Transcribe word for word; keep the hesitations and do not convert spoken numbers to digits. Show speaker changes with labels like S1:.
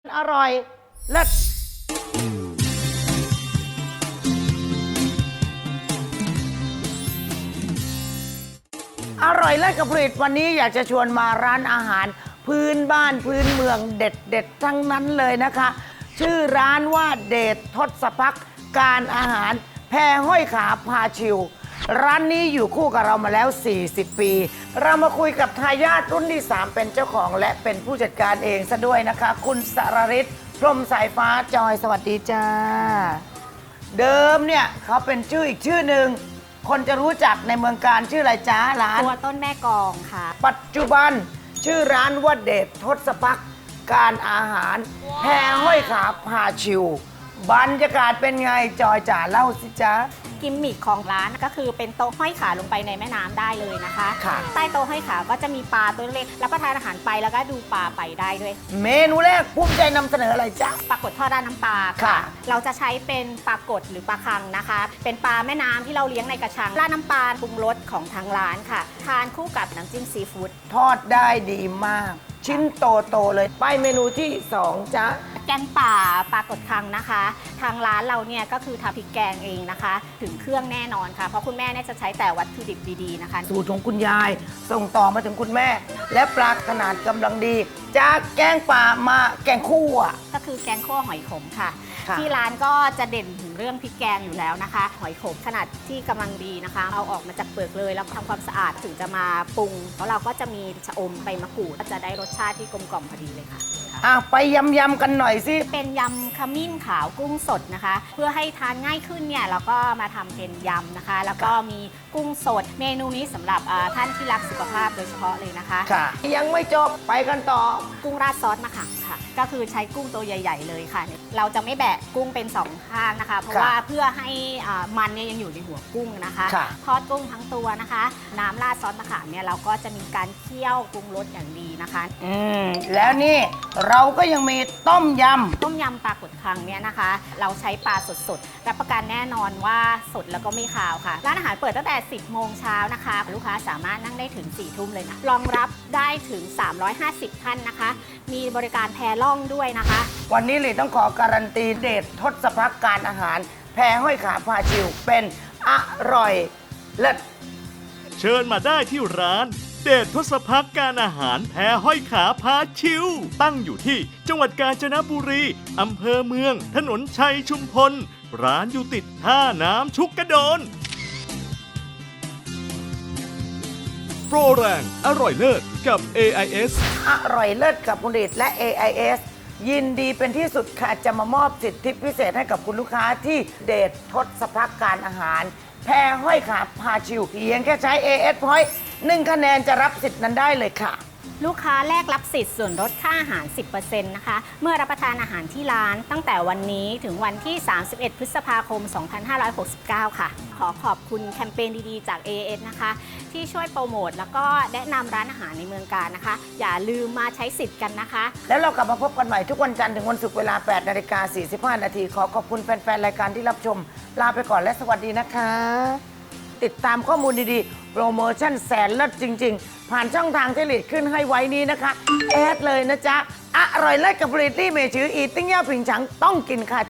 S1: อร่อยเลิศอร่อยเลิศกับผลิตวันนี้อยากจะชวนมาร้านอาหารพื้นบ้านพื้นเมืองเด็ดเด็ดทั้งนั้นเลยนะคะ ชื่อร้านว่าเดชทศพักการอาหารแพห้อยขาพาชิวร้านนี้อยู่คู่กับเรามาแล้ว สี่สิบ ปี เรามาคุยกับทายาทรุ่นที่ สาม เป็นเจ้าของและเป็นผู้จัดการเองซะด้วยนะคะ คุณสรฤทธิ์พรหมสายฟ้าจอยสวัสดีจ้า เดิมเนี่ยเขาเป็นชื่ออีกชื่อหนึ่งคนจะรู้จักในเมืองการชื่ออะไรจ้าร้าน
S2: ตัวต้นแม่กองค่ะ
S1: ปัจจุบันชื่อร้านว่าเดชทศพักการอาหารแพห้อยขาพาชิวบรรยากาศเป็นไงจอยจ๋าเล่าสิจ๊ะ
S2: กิมมิคของร้านก็คือเป็นโต๊ะห้อยขาลงไปในแม่น้ำได้เลยนะคะ
S1: ค่ะ
S2: ใต้โต๊ะห้อยขาก็จะมีปลาตัวเล็กรับประทานอาหารไปแล้วก็ดูปลาไปได้ด้วย
S1: เมนูแรกภูมิใจนำเสนออะไรจ๊ะ
S2: ปลากดทอดราดน้ำปลา
S1: ค่ะ
S2: เราจะใช้เป็นปลากดหรือปลาคังนะคะ เป็นปลาแม่น้ำที่เราเลี้ยงในกระชังราดน้ำปลาปรุงรสของทางร้านค่ะ ทานคู่กับน้ำจิ้มซีฟู้ด
S1: ทอดได้ดีมาก ชิ้นโตๆเลยไปเมนูที่สองจ๊ะ
S2: แกงป่าปลากดคังนะคะ ทางร้านเราเนี่ยก็คือทำพริกแกงเองนะคะ ถึงเครื่องแน่นอนค่ะเพราะคุณแม่เนี่ยจะใช้แต่วัตถุดิบดีๆนะคะ
S1: สูตรของคุณยายส่งต่อมาถึงคุณแม่ และปลาขนาดกำลังดี จากแกงป่ามาแกงคั่ว
S2: ก็คือแกงคั่วหอยขมค่ะ
S1: ค่ะ
S2: ที่ร้านก็จะเด่นถึงเรื่องพริกแกงอยู่แล้วนะคะ หอยขมขนาดที่กำลังดีนะคะ เอาออกมาจากเปลือกเลยแล้วทำความสะอาดถึงจะมาปรุงแล้วเราก็จะมีชะอมใบมะกรูดก็จะได้รสชาติที่กลมกล่อมพอดีเลยค่ะ
S1: อ่ะไปยำยำๆกันหน่อยสิ
S2: เป็นยำขมิ้นขาวกุ้งสดนะคะ เพื่อให้ทานง่ายขึ้นเนี่ยเราก็มาทำเป็นยำนะคะ แล้วก็มีกุ้งสด เมนูนี้สำหรับอ่าท่านที่รักสุขภาพโดยเฉพาะเลยนะคะ
S1: ค่ะ ยังไม่จบไปกันต่อ
S2: กุ้งราดซอสมะขามค่ะ ก็คือใช้กุ้งตัวใหญ่ ๆ เลยค่ะ เราจะไม่แบะกุ้งเป็นสองข้างนะคะ เพราะ
S1: ค่ะ
S2: ว่าเพื่อให้อ่ามันเนี่ยยังอยู่ในหัวกุ้งนะคะ
S1: ค่ะ
S2: ทอดกุ้งทั้งตัวนะคะ น้ำราดซอสมะขามเนี่ยเราก็จะมีการเคี่ยวปรุงรสอย่างดีนะคะ
S1: อืมแล้วนี่เราก็ยังมีต้มย
S2: ต้มยำปลากดคังเนี่ยนะคะ เราใช้ปลาสดๆรับประกันแน่นอนว่าสดแล้วก็ไม่คาวค่ะ ร้านอาหารเปิดตั้งแต่ สิบโมงเช้านะคะ ลูกค้าสามารถนั่งได้ถึง สี่ทุ่มเลยนะรองรับได้ถึง สามร้อยห้าสิบ ท่านนะคะ มีบริการแพล่องด้วยนะคะ
S1: ำวันนี้เลยต้องขอการันตีเดชทศพักการอาหาร แพห้อยขาพาชิวเป็นอร่อยเลิศ
S3: เชิญมาได้ที่ร้าน เดชทศพักการอาหารแพห้อยขาพาชิว ตั้งอยู่ที่จังหวัดกาญจนบุรีอำเภอเมือง ถนนชัยชุมพล ร้านอยู่ติดท่าน้ำชุกกระโดน โปรแรงอร่อยเลิศกับ เอ ไอ เอส
S1: อร่อยเลิศกับผลิตและ เอ ไอ เอส ยินดีเป็นที่สุดค่ะจะมามอบสิทธิพิเศษให้กับคุณลูกค้าที่เดชทศพักการอาหาร แพห้อยขาพาชิวเพียงแค่ใช้ เอ เอส Point หนึ่งคะแนนจะรับสิทธิ์นั้นได้เลยค่ะ
S2: ลูกค้าแลกรับสิทธิ์ส่วนลดค่าอาหาร สิบเปอร์เซ็นต์ นะคะ เมื่อรับประทานอาหารที่ร้านตั้งแต่วันนี้ถึงวันที่ สามสิบเอ็ด พฤษภาคม สองพันห้าร้อยหกสิบเก้า ค่ะ ขอขอบคุณแคมเปญดีๆ จาก เอ เอส นะคะ ที่ช่วยโปรโมทแล้วก็แนะนำร้านอาหารในเมืองการนะคะ อย่าลืมมาใช้สิทธิ์กันนะคะ
S1: แล้วเรากลับมาพบกันใหม่ทุกวันจันทร์ถึงวันศุกร์เวลา แปดนาฬิกาสี่สิบห้า นาที ขอขอบคุณแฟน ๆ รายการที่รับชม ลาไปก่อนและสวัสดีนะคะ ติดตามข้อมูลดีๆ โปรโมชั่นแสนเลิศจริง ๆ ผ่านช่องทางที่หลีดขึ้นให้ไว้นี้นะคะ แอดเลยนะจ๊ะ อร่อยเลิศกับผลิตลี่เมชืออีติ้งเย่าผิงฉังต้องกินค่ะ